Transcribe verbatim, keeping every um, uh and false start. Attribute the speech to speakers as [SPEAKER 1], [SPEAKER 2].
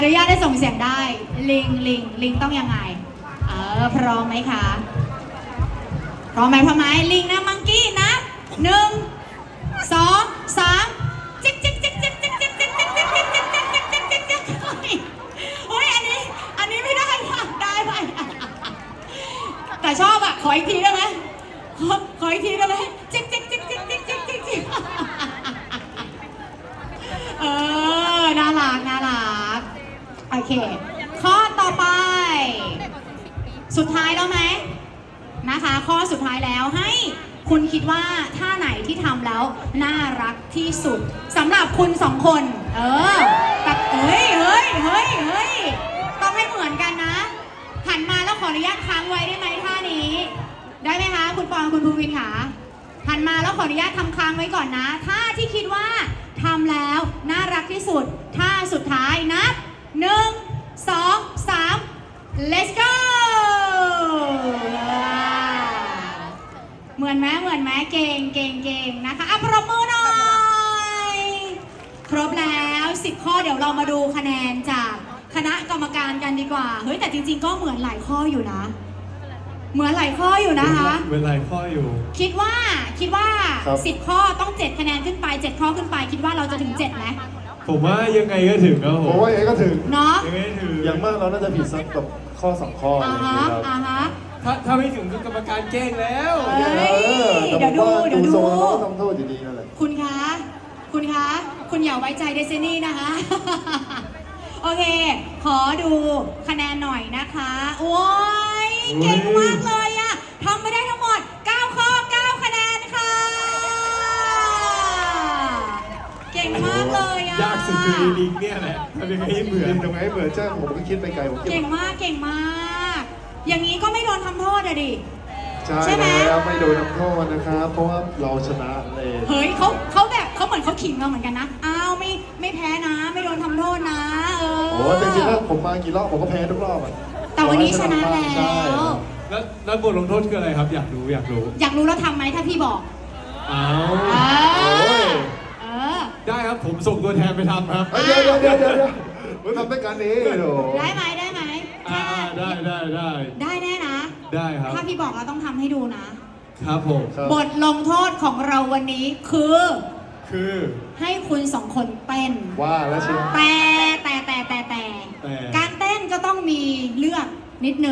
[SPEAKER 1] อนุญาตได้ส่งเสียงได้ลิงลิงลิงต้องยังไงเออพร้อมไหมคะพร้อมไหมพร้อมไหมลิงนะมังกี้นะหนึ่งสองสามจิ๊กจิ๊กจิ๊กจิ๊กจิ๊กจิ๊กจิ๊กจิ๊กจิ๊กจิ๊กจิ๊กจิ๊กจิ๊กจิ๊กจิ๊กจิ๊กโอ้ยอันนี้อันนี้ไม่ได้ค่ะได้ไหมแต่ชอบอ่ะขออีกทีได้ไหมขอขออีกทีได้ไหมจิ๊กจิ๊กจิ๊กจิ๊กจิ๊กจิ๊กจิ๊กจิ๊กเออน่ารักน่ารักโอเคข้อต่อไปสุดท้ายแล้วไหมนะคะข้อสุดท้ายแล้วให้คุณคิดว่าท่าไหนที่ทำแล้วน่ารักที่สุดสำหรับคุณสองคนเออแบบเฮ้ยเฮ้ยเฮ้ยเฮ้ยต้องให้เหมือนกันนะหันมาแล้วขออนุญาตค้างไว้ได้ไหมท่านี้ได้ไหมคะคุณปองคุณภูวินค่ะหันมาแล้วขออนุญาตทำค้างไว้ก่อนนะท่าที่คิดว่าทำแล้วน่ารักที่สุดท่าสุดท้ายนับหนึ่งสองสาม let's go เหมือนไหมเหมือนไหมเก่งเก่งเก่งนะคะอ่ะปรบมือหน่อยครบแล้วสิบข้อเดี๋ยวเรามาดูคะแนนจากคณะกรรมการกันดีกว่าเฮ้ยแต่จริงๆก็เหมือนหลายข้ออยู่นะเหมือนหลายข้ออยู่นะคะ
[SPEAKER 2] เหมือนหลายข้ออยู่
[SPEAKER 1] คิดว่าคิดว่าสิบข้อต้องเจ็ดคะแนนขึ้นไปเจ็ดข้อขึ้นไปคิดว่าเราจะถึงเจ็ดไหม
[SPEAKER 2] ผมว่ายังไงก็ถึงครับผม
[SPEAKER 3] ผมว่ายังไงก็ถึง
[SPEAKER 1] เนาะ
[SPEAKER 2] ยังไงถึง
[SPEAKER 3] อย่างมากเราน่าจะผิดสักกับข้อสองข้ออะไรอย่างเงี้ยครับ
[SPEAKER 1] อ่าฮะ
[SPEAKER 2] ถ้าถ้าไม่ถึงคือกรรมการแกล้งแล้ว
[SPEAKER 1] เดี๋ยวดูเดี๋ยวดู
[SPEAKER 3] ทำโทษดีๆนั่นแหละ
[SPEAKER 1] คุณคะคุณคะคุณอย่าไว้ใจเดซินี่นะคะโอเคขอดูคะแนนหน่อยนะคะโอ้ยเก่งมากเลยอะทำไปได้ทั้งหมดเก้าข้อเก้าคะแนนค่ะเก่งมากเลยอะ
[SPEAKER 2] ยากสุดคือลิงเนี่ยแหละทำยังไงให้เหมือน
[SPEAKER 3] ทำไงให้เหมือนเจ้าผมก็คิดไปไกลผม
[SPEAKER 1] เก่งมากเก่งมากอย่างนี้ก็ไม่โดนทำโทษอะดิ
[SPEAKER 3] ใช่ไหมไม่โดนทำโทษนะครับเพราะว่าเราชนะเลย
[SPEAKER 1] เฮ้ยเขาเขาแบบเขาเหมือนเขาขิงเราเหมือนกันนะอ้าวไม่ไม่แพ้นะไม่โดนทำโทษนะเออ
[SPEAKER 3] โอ้จริงๆแล้วผมมากี่รอบผมก็แพ้ทุกรอบอะ
[SPEAKER 1] แต่วันนี้ชนะแล้ว
[SPEAKER 2] แล้วแล้วบทลงโทษคืออะไรครับอยากรู้อยากรู้
[SPEAKER 1] อยากรู้แล้วทำไหมถ้าพี่บอก
[SPEAKER 2] อ้าว
[SPEAKER 1] เออ
[SPEAKER 2] ได้ครับผมส่งตัวแทนไปทำครับ
[SPEAKER 3] เดี๋ยวเดี๋ยวเดี๋ยวเดี๋ยวมันทำด้วยกันเอง
[SPEAKER 1] ได้ไหมได้ไหม
[SPEAKER 2] อ่าได้ได้ได้
[SPEAKER 1] ได้แน่นะ
[SPEAKER 2] ได้ครับ
[SPEAKER 1] ถ้าพี่บอกเราต้องทำให้ดูนะครับ
[SPEAKER 2] ผม
[SPEAKER 1] บทลงโทษของเราวันนี้คือ
[SPEAKER 2] คือ
[SPEAKER 1] ให้คุณสองคนเต้น
[SPEAKER 3] ว่าแล้วใช่ไหม
[SPEAKER 1] แต่แต่แต่แต่แต่การเต้นก็ต้องมีเลือกนิดนึง